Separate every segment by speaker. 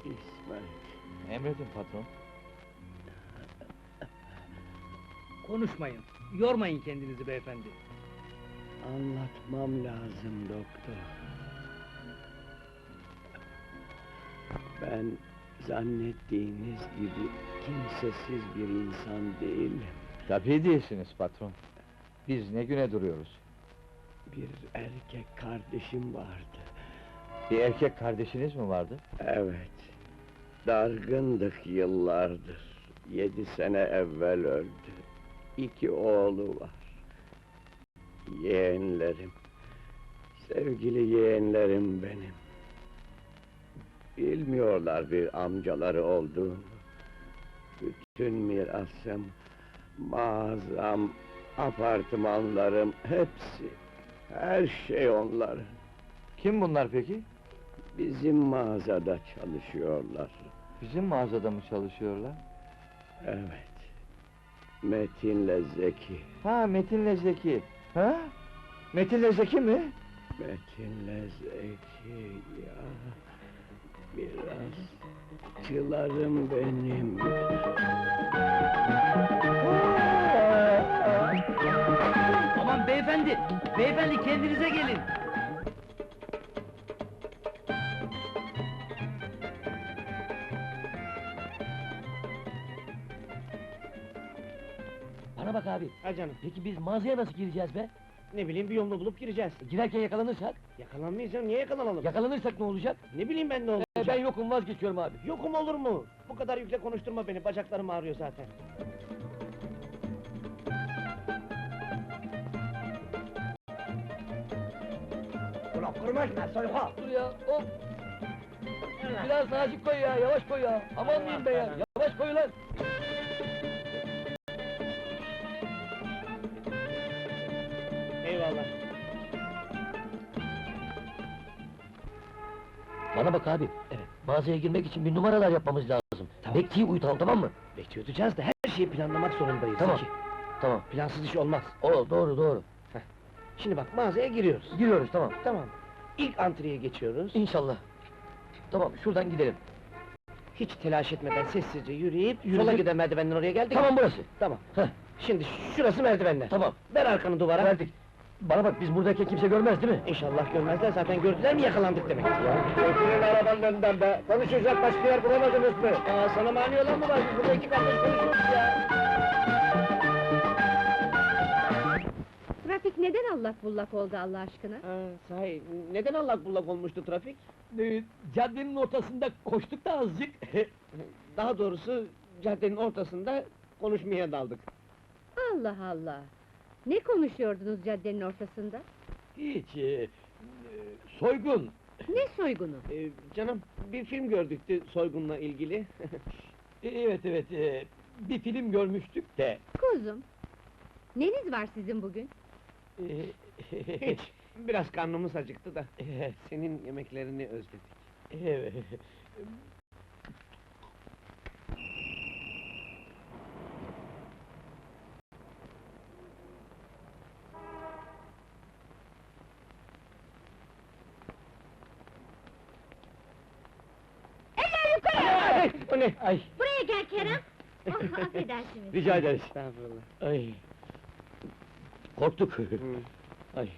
Speaker 1: İsmet.
Speaker 2: Emredin patron.
Speaker 3: Konuşmayın, yormayın kendinizi beyefendi.
Speaker 1: Anlatmam lazım doktor. Ben zannettiğiniz gibi kimsesiz bir insan değilim.
Speaker 2: Tabii değilsiniz patron. Biz ne güne duruyoruz?
Speaker 1: Bir erkek kardeşim vardı.
Speaker 2: Bir erkek kardeşiniz mi vardı?
Speaker 1: Evet. Dargındık yıllardır. 7 sene evvel öldü. 2 oğlu var. Yeğenlerim. Sevgili yeğenlerim benim. Bilmiyorlar bir amcaları olduğunu. Bütün mirasım, mağazam, apartmanlarım, hepsi, her şey onların.
Speaker 2: Kim bunlar peki?
Speaker 1: Bizim mağazada çalışıyorlar.
Speaker 2: Bizim mağazada mı çalışıyorlar?
Speaker 1: Evet. Metin'le Zeki.
Speaker 2: Ha, Metin'le Zeki. Ha? Metin'le Zeki mi?
Speaker 1: Metin'le Zeki ya. Biraz çılarım benim.
Speaker 3: Aman beyefendi, beyefendi kendinize gelin!
Speaker 4: Bana bak abi,
Speaker 3: Ha canım,
Speaker 4: peki biz mağazaya nasıl gireceğiz be?
Speaker 3: ne bileyim bir yolunu bulup gireceğiz.
Speaker 4: Girerken yakalanırsak?
Speaker 3: Yakalanmayacağım, niye yakalanalım?
Speaker 4: Yakalanırsak ne olacak?
Speaker 3: Ne bileyim ben ne olacak?
Speaker 4: Ben yokum, vazgeçiyorum abi.
Speaker 3: Yokum olur mu? Bu kadar yükle konuşturma beni, bacaklarım ağrıyor zaten. Ulan kırmaşma, soyka!
Speaker 4: Dur ya, hop! Biraz nazik koy ya, yavaş koy ya! Aman diyeyim be ya, yavaş koy lan!
Speaker 3: Eyvallah.
Speaker 4: Bana bak abi, mağazaya girmek için bir numaralar yapmamız lazım.
Speaker 3: Tamam.
Speaker 4: Bekçiyi uyutalım, tamam mı?
Speaker 3: Bekçi tutacağız da her şeyi planlamak zorundayız.
Speaker 4: Tamam.
Speaker 3: Zeki.
Speaker 4: Tamam.
Speaker 3: Plansız iş olmaz.
Speaker 4: Doğru, doğru.
Speaker 3: Şimdi bak mağazaya giriyoruz.
Speaker 4: Giriyoruz, tamam.
Speaker 3: Tamam. İlk antreye geçiyoruz.
Speaker 4: İnşallah. Tamam, şuradan gidelim.
Speaker 3: Hiç telaş etmeden sessizce yürüyüp
Speaker 4: Yürüdük.
Speaker 3: sola giden merdivenden oraya geldik.
Speaker 4: Tamam, burası.
Speaker 3: Tamam.
Speaker 4: Heh,
Speaker 3: Şimdi şurası merdivenler.
Speaker 4: tamam.
Speaker 3: Ver arkanı duvara.
Speaker 4: Verdik. Bana bak, biz buradayken kimse görmez değil mi?
Speaker 3: İnşallah görmezler, zaten gördüler mi yakalandık demek.
Speaker 4: Götürün arabanın önünden be! Konuşacak başka yer bulamadınız mı?
Speaker 3: Aa, sana mani olan mı var? Biz burada iki kardeş konuşuyoruz ya.
Speaker 5: Trafik neden allak bullak oldu Allah aşkına?
Speaker 3: Sahi, neden allak bullak olmuştu trafik?
Speaker 4: Caddenin ortasında koştuk da azıcık.
Speaker 3: Daha doğrusu caddenin ortasında konuşmaya daldık.
Speaker 5: Allah Allah! Ne konuşuyordunuz caddenin ortasında?
Speaker 4: Hiç, soygun.
Speaker 5: Ne soygunu?
Speaker 3: Canım, bir film gördüktü soygunla ilgili.
Speaker 4: Evet, bir film görmüştük de.
Speaker 5: Kuzum! Neniz var sizin bugün?
Speaker 3: Hiç, biraz karnımız acıktı da. Senin yemeklerini özledik.
Speaker 4: Evet.
Speaker 5: Eller yukarı!
Speaker 3: Ay, o ne?
Speaker 4: Ay,
Speaker 5: Buraya gel Kerem! Oh, affedersiniz.
Speaker 4: rica ederiz.
Speaker 3: Estağfurullah.
Speaker 4: Ay. Korktuk.
Speaker 3: Hı.
Speaker 4: Ay.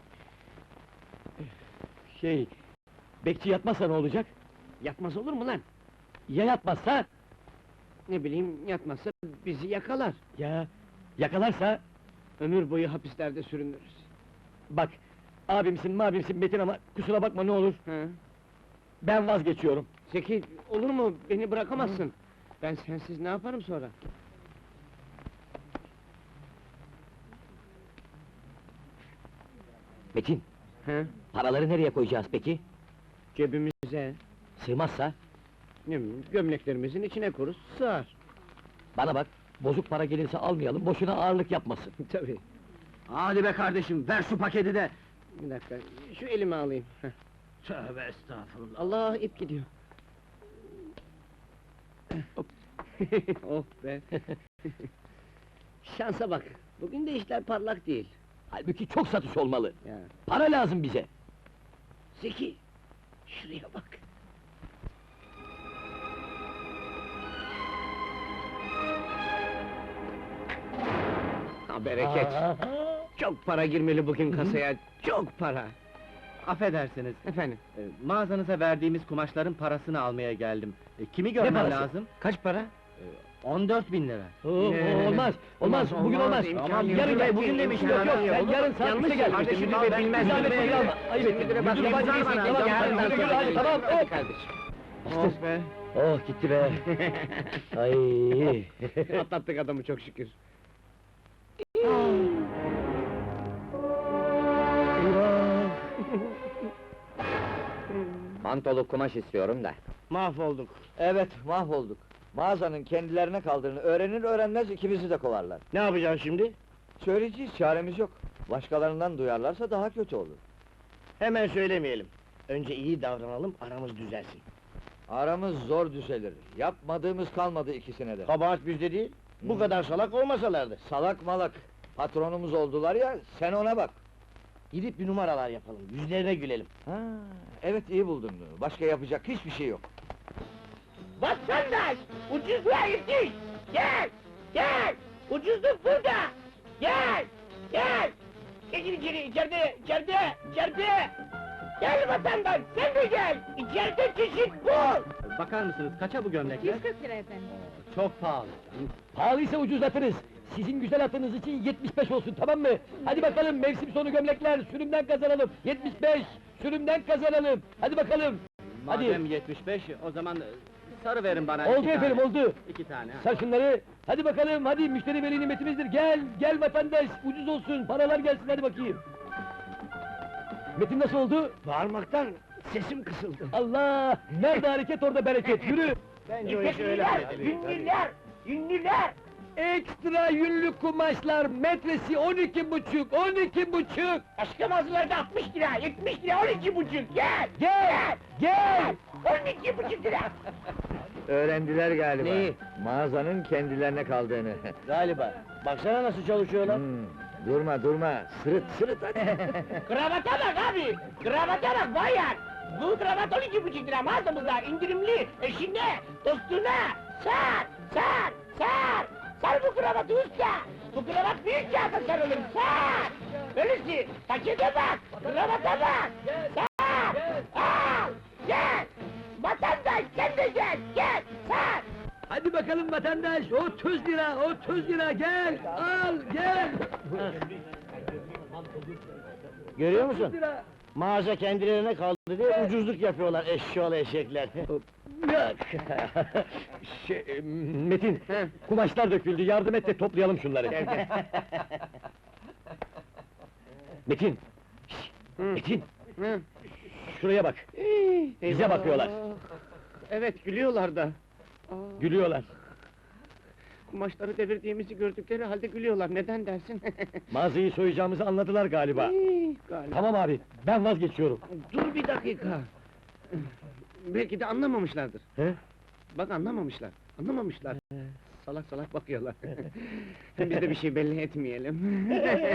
Speaker 4: Bekçi yatmazsa ne olacak?
Speaker 3: Yatmaz olur mu lan?
Speaker 4: Ya yatmazsa?
Speaker 3: Ne bileyim, yatmazsa bizi yakalar.
Speaker 4: Ya yakalarsa?
Speaker 3: Ömür boyu hapislerde sürünürüz.
Speaker 4: Bak, abimsin mabimsin Metin ama kusura bakma ne olur.
Speaker 3: Ha?
Speaker 4: Ben vazgeçiyorum.
Speaker 3: Zeki, olur mu? Beni bırakamazsın. Ben sensiz ne yaparım sonra?
Speaker 4: Metin,
Speaker 3: Ha?
Speaker 4: paraları nereye koyacağız peki?
Speaker 3: Cebimize,
Speaker 4: Sığmazsa?
Speaker 3: ne bileyim, gömleklerimizin içine koruz, sığar.
Speaker 4: Bana bak, bozuk para gelirse almayalım, boşuna ağırlık yapmasın.
Speaker 3: Tabii.
Speaker 4: Hadi be kardeşim, ver şu paketi de!
Speaker 3: Bir dakika, şu elimi alayım. Heh.
Speaker 4: Tövbe estağfurullah!
Speaker 3: Allah, ip gidiyor.
Speaker 4: Hop.
Speaker 3: Oh be! Şansa bak, bugün de işler parlak değil.
Speaker 4: Halbuki çok satış olmalı.
Speaker 3: Ya.
Speaker 4: Para lazım bize.
Speaker 3: Zeki, şuraya bak! Ha, bereket! Çok para girmeli bugün kasaya, çok para!
Speaker 2: Affedersiniz,
Speaker 3: Efendim,
Speaker 2: mağazanıza verdiğimiz kumaşların parasını almaya geldim. Kimi görmem
Speaker 3: parası?
Speaker 2: lazım?
Speaker 3: kaç para?
Speaker 2: 14.000 lira.
Speaker 4: Olmaz, olmaz, bugün olmaz.
Speaker 3: imkan yok.
Speaker 4: Yarın gel, bugün demiş, yok, sen yarın saat
Speaker 3: Yanlış
Speaker 4: 3'te gel.
Speaker 3: kardeşim,
Speaker 4: Müdür
Speaker 3: ben
Speaker 4: bey
Speaker 3: bilmez,
Speaker 4: bilmez,
Speaker 3: müdür bey
Speaker 4: bilmez.
Speaker 3: bilmez.
Speaker 4: Ayıp ettin,
Speaker 3: Müdüre bak,
Speaker 4: müdür
Speaker 3: yabancı
Speaker 4: bey
Speaker 3: değilsin,
Speaker 4: tamam,
Speaker 3: yarından
Speaker 4: yürü,
Speaker 3: sonra
Speaker 4: hadi, tamam,
Speaker 3: Hadi
Speaker 4: hop.
Speaker 3: kardeşim.
Speaker 2: Oh be!
Speaker 4: Oh, gitti be. Ay.
Speaker 3: Atlattık adamı çok şükür.
Speaker 6: Mantolu kumaş istiyorum da.
Speaker 2: Mahvolduk.
Speaker 4: Evet, mahvolduk. Mağazanın kendilerine kaldığını öğrenir öğrenmez ikimizi de kovarlar.
Speaker 2: Ne yapacaksın şimdi?
Speaker 4: Söyleyeceğiz, çaremiz yok. Başkalarından duyarlarsa daha kötü olur.
Speaker 2: Hemen söylemeyelim. Önce iyi davranalım, aramız düzelsin.
Speaker 4: Aramız zor düzelir. Yapmadığımız kalmadı ikisine de.
Speaker 2: Kabahat bizde değil, bu kadar salak olmasalardı.
Speaker 4: Salak malak. Patronumuz oldular ya, sen ona bak.
Speaker 2: Gidip bir numaralar yapalım, yüzlerine gülelim.
Speaker 4: Ha, evet iyi buldun. Başka yapacak hiçbir şey yok.
Speaker 3: Vatandaş! Ucuzluğa yetiş! Gel! Gel! Ucuzluk burada! Gel! Gel! Geçin içeri, içeride! Gel vatandaş, sen de gel! İçeride çeşit bul!
Speaker 2: Bakar mısınız, kaça bu gömlekler?
Speaker 5: 140 lira efendim.
Speaker 2: Çok pahalı.
Speaker 4: Pahalıysa ucuzlatırız. Sizin güzel atınız için 75 olsun, tamam mı? Hadi bakalım, mevsim sonu gömlekler, sürümden kazanalım. 75, sürümden kazanalım. Hadi bakalım. Hadi.
Speaker 2: Madem 75, o zaman sarı verin bana.
Speaker 4: Oldu
Speaker 2: iki
Speaker 4: efendim,
Speaker 2: tane.
Speaker 4: oldu.
Speaker 2: 2 tane.
Speaker 4: Sar şunları. Hadi bakalım, hadi müşteri veli nimetimizdir. Gel, gel vatandaş, ucuz olsun, paralar gelsin, hadi bakayım. Metin nasıl oldu?
Speaker 3: Bağırmaktan sesim kısıldı.
Speaker 4: Allah! Nerede hareket, orada bereket, yürü!
Speaker 2: Bence o işi öyle halledelim.
Speaker 3: Ünlüler!
Speaker 4: Ekstra yünlü kumaşlar, metresi 12,5.
Speaker 3: Başka mağazalarda 60 lira, 70 lira, 12,5! Gel!
Speaker 4: Gel, gel!
Speaker 3: 12,5 lira!
Speaker 4: Öğrendiler galiba.
Speaker 2: Neyi?
Speaker 4: Mağazanın kendilerine kaldığını.
Speaker 2: Galiba. Baksana nasıl çalışıyorlar.
Speaker 4: Durma, sırıt hadi.
Speaker 3: Kravata bak abi! Kravata bak bayan! Bu kravat 12,5 lira mağazamızda indirimli, eşine, dostuna! Sar! Sar bu kravatı usta! Bu kravat büyük kağıda sarılır, sar! Öylesi, pakete bak, kravata bak! Sar! Al! Gel! Vatandaş sen de gel, sar!
Speaker 4: Hadi bakalım vatandaş, 30 lira, gel, al, gel!
Speaker 2: Görüyor
Speaker 4: 30
Speaker 2: musun?
Speaker 4: lira!
Speaker 2: Mağaza kendilerine kaldı diye ucuzluk yapıyorlar eşşoğlu eşekler.
Speaker 4: Metin, kumaşlar döküldü, yardım et de toplayalım şunları. Metin! Metin! Şuraya bak, bize bakıyorlar.
Speaker 3: Evet, gülüyorlar da.
Speaker 4: Gülüyorlar.
Speaker 3: Kumaşları devirdiğimizi gördükleri halde gülüyorlar, neden dersin?
Speaker 4: Mağazayı soyacağımızı anladılar galiba.
Speaker 3: Galiba.
Speaker 4: Tamam abi, ben vazgeçiyorum.
Speaker 3: Dur bir dakika! Belki de anlamamışlardır.
Speaker 4: He?
Speaker 3: Bak anlamamışlar. Salak salak bakıyorlar. Biz de bir şey belli etmeyelim.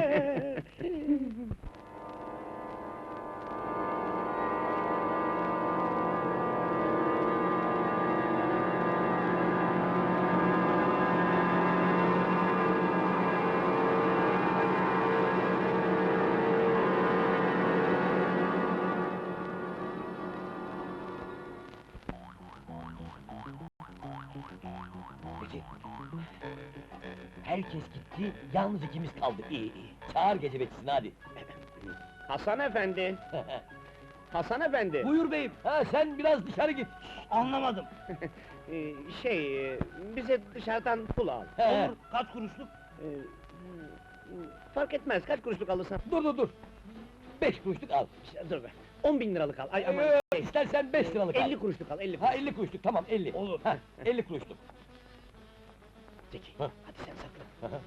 Speaker 4: Herkes gitti, yalnız ikimiz kaldık. İyi. Çağır gece bekçisini hadi.
Speaker 3: Hasan efendi! Hasan efendi!
Speaker 4: Buyur beyim, sen biraz dışarı git.
Speaker 2: Anlamadım.
Speaker 3: Bize dışarıdan pul al.
Speaker 4: He.
Speaker 2: Kaç kuruşluk?
Speaker 3: Fark etmez, kaç kuruşluk alırsan.
Speaker 4: Dur. 5 kuruşluk al.
Speaker 3: Dur be, 10.000 liralık al. Ay aman,
Speaker 4: İstersen 5 liralık al.
Speaker 3: 50 kuruşluk al, 50
Speaker 4: Ha 50 kuruşluk, tamam 50.
Speaker 3: Olur.
Speaker 4: 50 kuruşluk.
Speaker 3: Zeki,
Speaker 4: Ha.
Speaker 3: hadi sen sakla.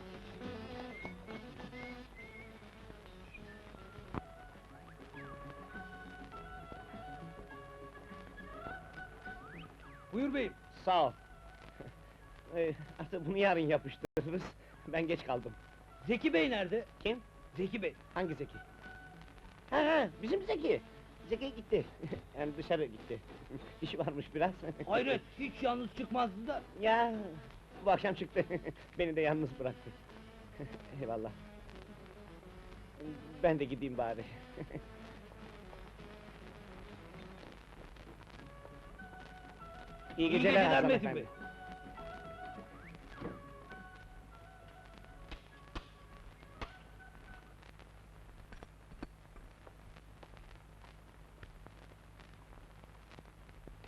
Speaker 4: Buyur beyim.
Speaker 3: Sağ ol. Artık bunu yarın yapıştırırız. Ben geç kaldım.
Speaker 4: Zeki bey nerede?
Speaker 3: Kim?
Speaker 4: Zeki bey.
Speaker 3: Hangi Zeki? Ha, bizim Zeki. Zeki gitti. Yani dışarı gitti. İşi varmış biraz.
Speaker 4: Hiç yalnız çıkmazdı da.
Speaker 3: Ya, bu akşam çıktı. Beni de yalnız bıraktı.
Speaker 2: Eyvallah. Ben de gideyim bari. İyi geceler Hasan
Speaker 4: Metin
Speaker 2: efendi.
Speaker 4: Bey.